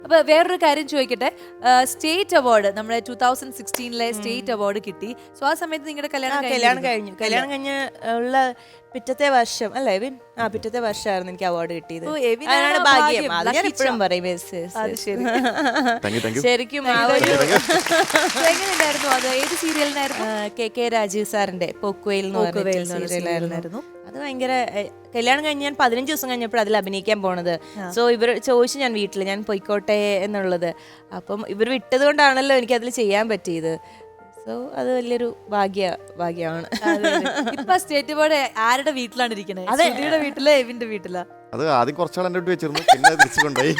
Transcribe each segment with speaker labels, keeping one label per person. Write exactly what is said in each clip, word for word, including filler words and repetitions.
Speaker 1: അപ്പൊ വേറൊരു കാര്യം ചോദിക്കട്ടെ, സ്റ്റേറ്റ് അവാർഡ് നമ്മുടെ ടൂ തൗസൻഡ് സിക്സ്റ്റീനിലെ സ്റ്റേറ്റ് അവാർഡ് കിട്ടി. സോ ആ സമയത്ത് നിങ്ങളുടെ കല്യാണം
Speaker 2: കല്യാണം കഴിഞ്ഞു കല്യാണം കഴിഞ്ഞ് ഉള്ള പിറ്റത്തെ വർഷം അല്ലേ എവിൻ ആ പിറ്റത്തെ വർഷമായിരുന്നു എനിക്ക് അവാർഡ് കിട്ടിയത്. അതാണ് ഭാഗ്യം. അത് ഞാൻ എപ്പോഴും പറയും. ശരിക്കും
Speaker 1: എങ്ങനെയുണ്ടായിരുന്നു അത്? ഏത് സീരിയലിനായിരുന്നു?
Speaker 2: കെ കെ രാജീവ് സാറിന്റെ പോക്കുവെയിൽ സീരിയലായിരുന്നു. അത് ഭയങ്കര കല്യാണം കഴിഞ്ഞ് ഞാൻ പതിനഞ്ച് ദിവസം കഴിഞ്ഞപ്പോൾ അതിൽ അഭിനയിക്കാൻ പോണത്. സോ ഇവർ ചോദിച്ചു ഞാൻ വീട്ടിൽ ഞാൻ പൊയ്ക്കോട്ടെ എന്നുള്ളത്. അപ്പം ഇവർ വിട്ടത് കൊണ്ടാണല്ലോ എനിക്ക് അതിൽ ചെയ്യാൻ പറ്റിയത്. സോ അത് വലിയൊരു ഭാഗ്യ ഭാഗ്യമാണ്.
Speaker 1: ഇപ്പൊ സ്റ്റേറ്റ് അവാർഡ് ആരുടെ വീട്ടിലാണ് ഇരിക്കുന്നത്? അതെ, വീട്ടിലെ എവിന്റെ വീട്ടിലാ.
Speaker 3: അത് ആദ്യം കുറച്ചാൾ എന്റെ വീട്ടിൽ വെച്ചിരുന്നു, പിന്നെ തിരിച്ചു കൊണ്ടുപോയി.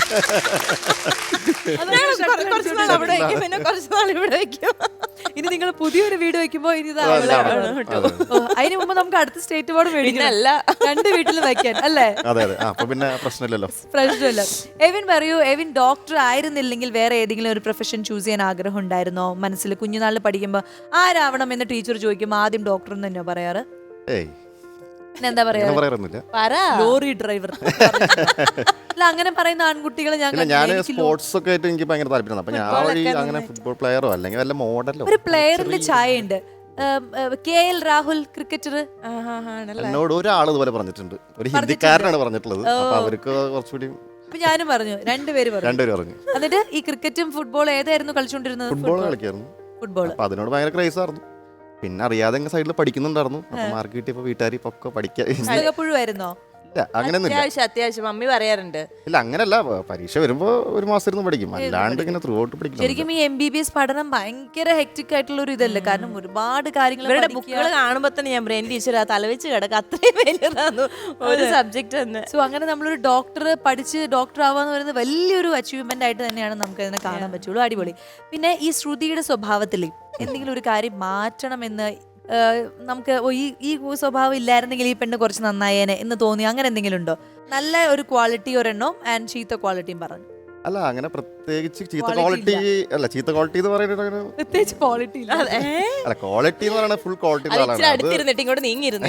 Speaker 1: ഇനി നിങ്ങൾ പുതിയൊരു വീട് വെക്കുമ്പോ ഇനി അതിന് മുമ്പ് നമുക്ക് അടുത്ത സ്റ്റേറ്റ് അവാർഡ് മേടിക്കണല്ല, രണ്ട് വീട്ടിൽ വെക്കാൻ അല്ലേ?
Speaker 3: പിന്നെ പ്രശ്നമില്ലല്ലോ.
Speaker 1: പ്രശ്നമില്ല. എവിൻ പറയൂ, എവിൻ ഡോക്ടർ ആയിരുന്നില്ലെങ്കിൽ വേറെ ഏതെങ്കിലും ഒരു പ്രൊഫഷൻ ചൂസ് ചെയ്യാൻ ആഗ്രഹം ഉണ്ടായിരുന്നോ മനസ്സിൽ? കുഞ്ഞുനാളിൽ പഠിക്കുമ്പോ ആരാവണം എന്ന് ടീച്ചർ ചോദിക്കുമ്പോ ആദ്യം ഡോക്ടർ എന്ന് തന്നെയാ പറയാറ്? എന്താ പറയാ, ലോറി ഡ്രൈവർ അല്ല അങ്ങനെ പറയുന്ന ആൺകുട്ടികളെ ഞാൻ
Speaker 3: സ്പോർട്സ് ഒക്കെ ആയിട്ട് എനിക്ക് ഭയങ്കര താല്പര്യം. അപ്പൊ ഞാൻ അങ്ങനെ ഫുട്ബോൾ പ്ലെയറോ അല്ലെങ്കിൽ വല്ല മോഡലോ.
Speaker 1: ഒരു പ്ലെയറിന്റെ ചായ ഉണ്ട്, കെ എൽ രാഹുൽ ക്രിക്കറ്റർ.
Speaker 3: എന്നോട് ഒരാൾ ഇതുപോലെ പറഞ്ഞിട്ടുണ്ട്, ഒരു ഹിന്ദിക്കാരനാണ് പറഞ്ഞിട്ടുള്ളത്. അപ്പൊ അവർക്ക് കുറച്ചുകൂടി
Speaker 1: ഞാനും പറഞ്ഞു, രണ്ടുപേര്
Speaker 3: രണ്ടുപേരും പറഞ്ഞു.
Speaker 1: എന്നിട്ട് ഈ ക്രിക്കറ്റും ഫുട്ബോൾ ഏതായിരുന്നു കളിച്ചോണ്ടിരുന്നത്?
Speaker 3: ഫുട്ബോൾ കളിക്കായിരുന്നു.
Speaker 1: ഫുട്ബോൾ
Speaker 3: അതിനോട് ഭയങ്കര ക്രൈസ് ആയിരുന്നു. പിന്നെ അറിയാതെ സൈഡിൽ പഠിക്കുന്നുണ്ടായിരുന്നു. അപ്പൊ മാർക്ക് കിട്ടിയപ്പോ വീട്ടുകാർ ഒക്കെ
Speaker 1: പഠിക്കായിരുന്നോ?
Speaker 2: അത്യാവശ്യം മമ്മി പറയാറുണ്ട്.
Speaker 3: ഇല്ല അങ്ങനല്ല, പരീക്ഷ വരുമ്പോ ഒരു മാസം ഇരുന്ന് പഠിക്കും, അല്ലാണ്ട് ഇങ്ങനെ ത്രൂ ഔട്ട് പഠിക്കും.
Speaker 1: ശരിക്കും ഈ എം ബി ബി എസ് പഠനം ഭയങ്കര ഹെക്ടിക് ആയിട്ടുള്ള ഒരു ഇതല്ലേ? കാരണം ഒരുപാട് കാര്യങ്ങൾ
Speaker 2: ഇവരുടെ ബുക്കുകൾ കാണുമ്പോ തന്നെ ഞാൻ ബ്രെയിൻ ടീച്ചർ തലവെച്ച് കിടക്കുക, അത്രയും വലിയതാണ് ഒരു സബ്ജക്ട് തന്നെ.
Speaker 1: സോ അങ്ങനെ നമ്മളൊരു ഡോക്ടർ പഠിച്ച് ഡോക്ടർ ആവാന്ന് പറയുന്നത് വലിയൊരു അച്ചീവ്മെന്റ് ആയിട്ട് തന്നെയാണ് നമുക്ക് അതിനെ കാണാൻ പറ്റുള്ളൂ. അടിപൊളി. പിന്നെ ഈ ശ്രുതിയുടെ സ്വഭാവത്തിൽ എന്തെങ്കിലും ഒരു കാര്യം മാറ്റണമെന്ന് നമുക്ക് ഈ ഈ സ്വഭാവം ഇല്ലായിരുന്നെങ്കിൽ ഈ പെണ്ണ് കുറച്ച് നന്നായേനെ എന്ന് തോന്നി, അങ്ങനെ എന്തെങ്കിലും ഉണ്ടോ? നല്ല ഒരു ക്വാളിറ്റി ഒരെണ്ണം ആൻഡ് ചീത്ത ക്വാളിറ്റിയും പറഞ്ഞു.
Speaker 3: അല്ല അങ്ങനെ പ്രത്യേകിച്ച് ചീത്ത ക്വാളിറ്റി അല്ല, ചീത്ത ക്വാളിറ്റി എന്ന് പറയുന്നത്
Speaker 1: പ്രത്യേകിച്ച് ക്വാളിറ്റി
Speaker 3: അല്ല, ക്വാളിറ്റി എന്ന് പറയുന്നത് ഫുൾ ക്വാളിറ്റി.
Speaker 2: അടുത്തിരുന്നിട്ട് നീങ്ങിയിരുന്നു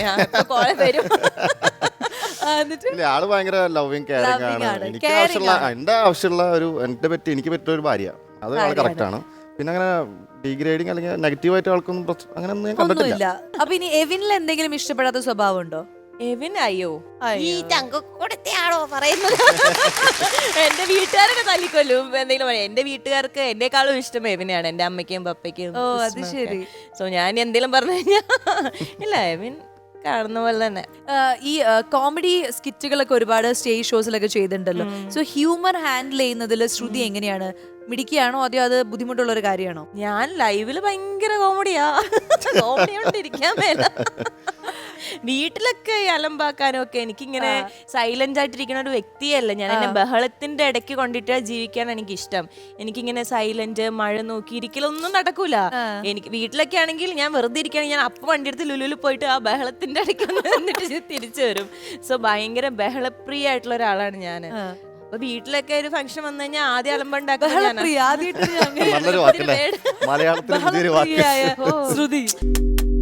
Speaker 3: ആള് ഭയങ്കര ലവിങ് കെയറിംഗ് ആണ്. എനിക്ക് ആവശ്യമുള്ള എന്റെ ആവശ്യമുള്ള ഒരു എന്റെ പറ്റി എനിക്ക് പറ്റിയ ഒരു ഭാര്യ, അത് ആള് കറക്റ്റ് ആണ്. പിന്നെ അങ്ങനെ ഡിഗ്രേഡിങ് അല്ലെങ്കിൽ നെഗറ്റീവ് ആയിട്ട് ആൾക്കൊന്നും അങ്ങനെ ഒന്നും ഞാൻ കണ്ടിട്ടില്ല.
Speaker 1: അപ്പൊ ഇനി എവിനിൽ എന്തെങ്കിലും ഇഷ്ടപ്പെടാത്ത സ്വഭാവം ഉണ്ടോ?
Speaker 2: എവിൻ അയ്യോ ഈ ചങ്കക്കൊടുത്തയാണോ പറയുന്നത്? എന്റെ വീട്ടുകാരൊക്കെ തല്ലിക്കൊല്ലും എന്തെങ്കിലും പറയാം. എന്റെ വീട്ടുകാർക്ക് എന്നെക്കാളും ഇഷ്ടം എവിനെയാണ്, എന്റെ അമ്മയ്ക്കും പപ്പയ്ക്കും.
Speaker 1: ഓ അത് ശരി.
Speaker 2: സോ ഞാൻ എന്തെങ്കിലും പറഞ്ഞു കഴിഞ്ഞാൽ ഇല്ല, എവിൻ കാണുന്ന പോലെ തന്നെ.
Speaker 1: ഈ കോമഡി സ്കിറ്റുകളൊക്കെ ഒരുപാട് സ്റ്റേജ് ഷോസിലൊക്കെ ചെയ്തിട്ടുണ്ടല്ലോ. സോ ഹ്യൂമർ ഹാൻഡിൽ ചെയ്യുന്നതിൽ ശ്രുതി എങ്ങനെയാണ്? മിടിക്കുകയാണോ അതോ അത് ബുദ്ധിമുട്ടുള്ള ഒരു കാര്യമാണോ?
Speaker 2: ഞാൻ ലൈവില് ഭയങ്കര കോമഡിയാ, കോമഡി കൊണ്ടിരിക്കാൻ മേല. വീട്ടിലൊക്കെ അലമ്പാക്കാനും ഒക്കെ എനിക്കിങ്ങനെ സൈലന്റ് ആയിട്ടിരിക്കുന്ന ഒരു വ്യക്തിയല്ല ഞാൻ. എന്നെ ബഹളത്തിന്റെ ഇടയ്ക്ക് കൊണ്ടിട്ട് ജീവിക്കാൻ എനിക്കിഷ്ടം. എനിക്കിങ്ങനെ സൈലന്റ് മഴ നോക്കി ഇരിക്കലൊന്നും നടക്കൂല. എനിക്ക് വീട്ടിലൊക്കെ ആണെങ്കിൽ ഞാൻ വെറുതെ ഇരിക്കുകയാണെങ്കിൽ ഞാൻ അപ്പം വണ്ടി എടുത്ത് ലുലുവിൽ പോയിട്ട് ആ ബഹളത്തിന്റെ ഇടയ്ക്ക് വന്നിട്ട് തിരിച്ചു വരും. സോ ഭയങ്കര ബഹളപ്രിയ ആയിട്ടുള്ള ഒരാളാണ് ഞാൻ. അപ്പൊ വീട്ടിലൊക്കെ ഒരു ഫംഗ്ഷൻ വന്നു കഴിഞ്ഞാൽ ആദ്യം അലമ്പുണ്ടാക്കുക
Speaker 1: ശ്രുതി.